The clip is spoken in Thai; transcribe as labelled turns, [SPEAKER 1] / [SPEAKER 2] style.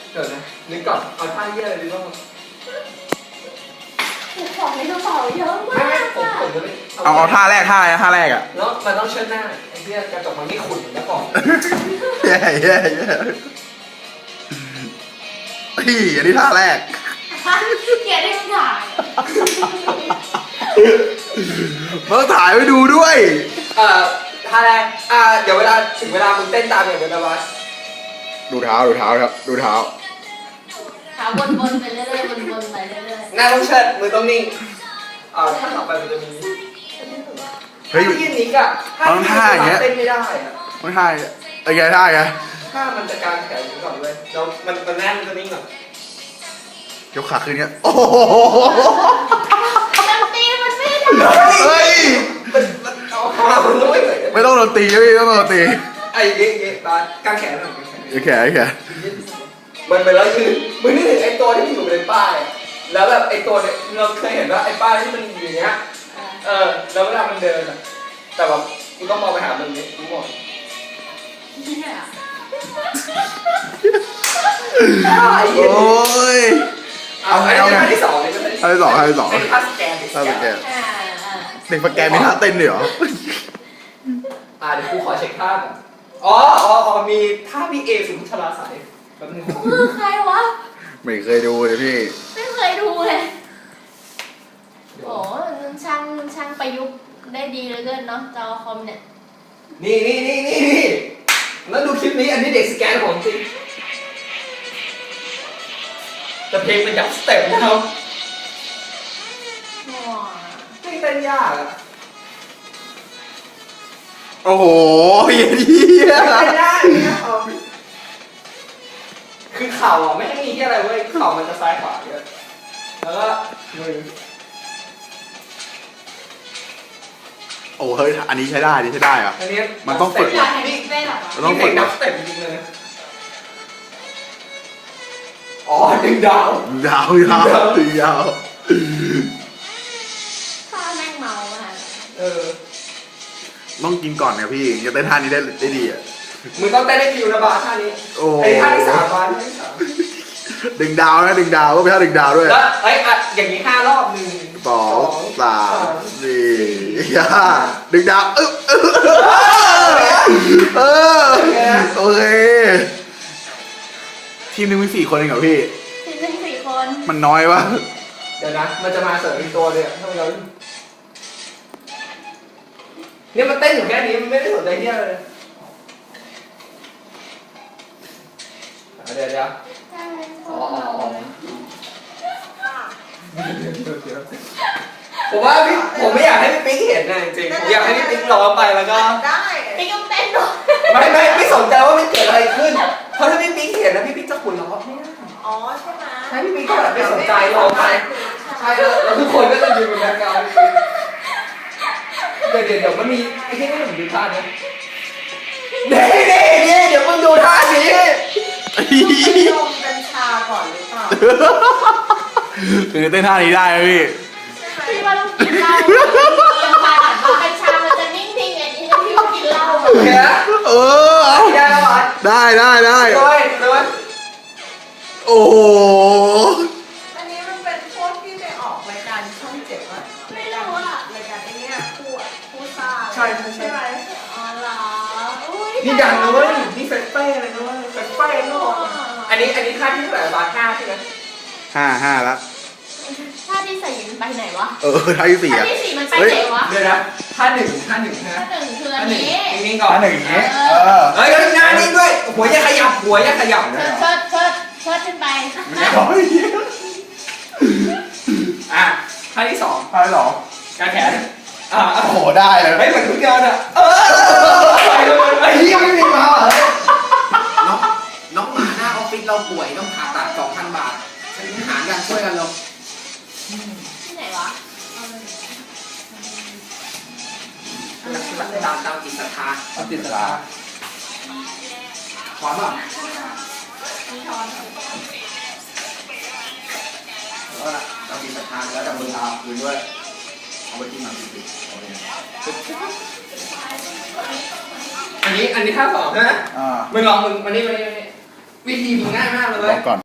[SPEAKER 1] เดี๋ยวนะนึกก่อนเอาท่าเยี่ยอะไรดีบ้าง
[SPEAKER 2] ของในกระเป๋าเยอะมาก
[SPEAKER 1] ผมจะไม่
[SPEAKER 3] เอาท่าแรกท่าแรกอ่ะ
[SPEAKER 1] แล้วมันต้องเชิดหน้าไอ้เหี้ยกระจกมันไม่ขุ่นแล้วก่อน
[SPEAKER 3] แย่อันนี้ท่าแรก
[SPEAKER 2] เกียรติถ่าย
[SPEAKER 3] มาถ่ายไว้ดูด้วย
[SPEAKER 1] ท่าแรกเดี๋ยวเวลาถึงเวลามึงเต้นตามอย่างเดียวนะวะ
[SPEAKER 3] ดูเท้าครับดูเท้า
[SPEAKER 2] วนไปเรื่อยๆวนไปเรื่อย
[SPEAKER 1] ๆหน้าต้องเชิดมือต้องนิ่งถ้าต่อไปมันจะมี
[SPEAKER 3] เฮ้ย
[SPEAKER 1] ยืนนิกอะ
[SPEAKER 3] ท่าอย่างเงี้ย
[SPEAKER 1] เต้นไม่ได้อะ
[SPEAKER 3] ไม่ท่าไอ้แกท่าไง
[SPEAKER 1] ถ้ามันจะการแขนอยู่ก่อนเลยเรามันแน่นมันจะนิ่งก่อน
[SPEAKER 3] ยกขาขึ้นเงี้ยโอ้โห
[SPEAKER 2] ดนตรีมันไม่ได้
[SPEAKER 3] เฮ้ยไม่ต้องดนตรีไม่ต้องดนตรี
[SPEAKER 1] ไอ้เงี้ยตอนกางแขนหน่อย
[SPEAKER 3] แขน
[SPEAKER 1] มันเป็นแล้วคือมึงนึกถึงไอ้ตัวที่มันอยู่ในป้ายแล้วแบบไอ้ตัวเนี่ยเราเคยเห็นว่าไอ้ป้ายที่มันอยู่อย่างเงี้ยแล้วเวลามันเดินอะแต่แบบกูต้องมองไปหามึงเนี่ยกูมอง
[SPEAKER 3] โอ้ย
[SPEAKER 1] เอาท่าที่สองเลย
[SPEAKER 3] ท่าที่สอง
[SPEAKER 1] เป็นท่าสแกน
[SPEAKER 3] เด็กสแกนมีท่าเต้นด้วยเหรอ
[SPEAKER 1] เดี๋ยวกูขอเช็คท่าก่อนมีท่าพี่เอสุนทราสายแบบนึง
[SPEAKER 2] คือใครวะ
[SPEAKER 3] ไม่เคยดูเลยพี่
[SPEAKER 2] ไม่เคยดูเลยโอ้ช่างประยุกต์ได้ดีเลยเกินเนาะจอคอมเนี่ย
[SPEAKER 1] นี่แล้วดูคลิปนี้อันนี้เด็กสแกนของจริงแต่เพลงเป็นยับสเต็ปนะครับไม่เต้นยากอะ
[SPEAKER 3] โอ้โหเหี้ย
[SPEAKER 1] ไม่ได้คือเข่าไม่ได้มีแค่อะไรเว้ยเข่ามันจะซ้ายขวาเยอะแล้วก็มือ
[SPEAKER 3] โอ้เฮ้ยอันนี้ใช้ได้อ่ะมันต้องฝึก
[SPEAKER 1] นี่ต้องฝึกนับสเต็ปจริงเลยดึงดาว
[SPEAKER 2] ถ้าแม่งเมาอ่ะ
[SPEAKER 3] ต้องกินก่อนเนี่ยพี่จะเต้นท่านี้ได้ดีอ่ะ
[SPEAKER 1] มึงต้องเต้นได้คิวนะบาท่านี้ไอ้ท่าที่3บาท่าที่3
[SPEAKER 3] ดึงดาวก็เป็นท่าดึงดาวด้วย
[SPEAKER 1] แล้วอย่างนี้5 รอบ1
[SPEAKER 3] 2 3 4 5ดึงดาวโอเคทีมนึงมี4 คนเองเหรอพี่
[SPEAKER 2] ทีมนึง4 คน
[SPEAKER 3] มันน้อยวะ
[SPEAKER 1] เดี๋ยวนะมันจะมาเสริมอีกตัวเลยถ้าเราเนี่ยมันเต้นอยู่แค่นี้มันไม่ได้สนใจเที่ยวเลยเดี๋ยวผมว่าผมไม่อยากให้พี่ปิ๊กเห็นนะจริงผมอยากให้พี่ปิ๊กร้องไปแล้วก็
[SPEAKER 2] ได้ปิ๊กต้องเต้นด้วย
[SPEAKER 1] ไม่สนใจว่ามันเกิดอะไรขึ้นเพราะถ้าพี่ปิ๊กเห็นนะพี่ปิ๊กจะขุนร้องไม่ได้
[SPEAKER 2] ใช่ไหม
[SPEAKER 1] ให้พี่ปิ๊กก็แบบไม่สนใจร้องไปใช่แล้วทุกคนก็จะยืนบนแบ็คกราวด์เดี๋ยวมันมีไอ้ที่นี่ผมดูท่านี้นี่เดี๋ยวมึงดูท่านี้
[SPEAKER 2] ลงกัญชาก่อนหรือเปล่า
[SPEAKER 3] คือเต้นท่านี้ได้ไหม
[SPEAKER 2] พี่ว่าต้องกินเหล้ากัญชามันจะนิ่งๆอันนี้พี่ต้องกินเหล้า
[SPEAKER 3] ได้
[SPEAKER 1] ด้วย
[SPEAKER 3] โอ้โห
[SPEAKER 2] อันนี้มันเป็นพวกที่ไปออกรายการช่อง7ว่ะไม่รู้อะรายการไอ้เนี่ยคู่ซ่า
[SPEAKER 1] ใช่
[SPEAKER 2] ไหมอ๋อเหรอ
[SPEAKER 1] นี่ดังนะเว้ยนี่เฟสเป้อะไรนะเว้ยเฟสเป้โลกอันนี้ท่าที่เท่าไหร่บาท5ใช่ไหม
[SPEAKER 3] 5แล้ว
[SPEAKER 2] ท่าที่4มันไปไหนวะ
[SPEAKER 3] ท่าที่4
[SPEAKER 2] ท่าที่4มันไปไหนวะ
[SPEAKER 1] เดี๋ยวนะท่า1
[SPEAKER 2] คืออันนี้
[SPEAKER 1] นิ่งก่อน
[SPEAKER 3] ท่า1อย่างนี้
[SPEAKER 1] หน้านิ่งด้วยหัวอย่าขยับ
[SPEAKER 2] เชิดขึ้นไป
[SPEAKER 1] ท่าที่2การแขน
[SPEAKER 3] โอ้โหได้เลย
[SPEAKER 1] ไม่เหมือนทุกเดือนอ่ะไอ้ยี่ไม่มีมาน้องหมาหน้าออฟฟิศเราป่วยต้องผ่าตัด 2,000 บาทฉันหากันช่วยกันลง
[SPEAKER 2] ที่ไหนวะ
[SPEAKER 1] ตามจิตศรัทธาขวานป่ะตามจิตศรัทธาแล้วจับมือเท้าคืนด้วยเอาไปกินหนังติดอันนี้ท่า2นะมึงลองมึงมานี่วิธีมึงง่ายมากเลย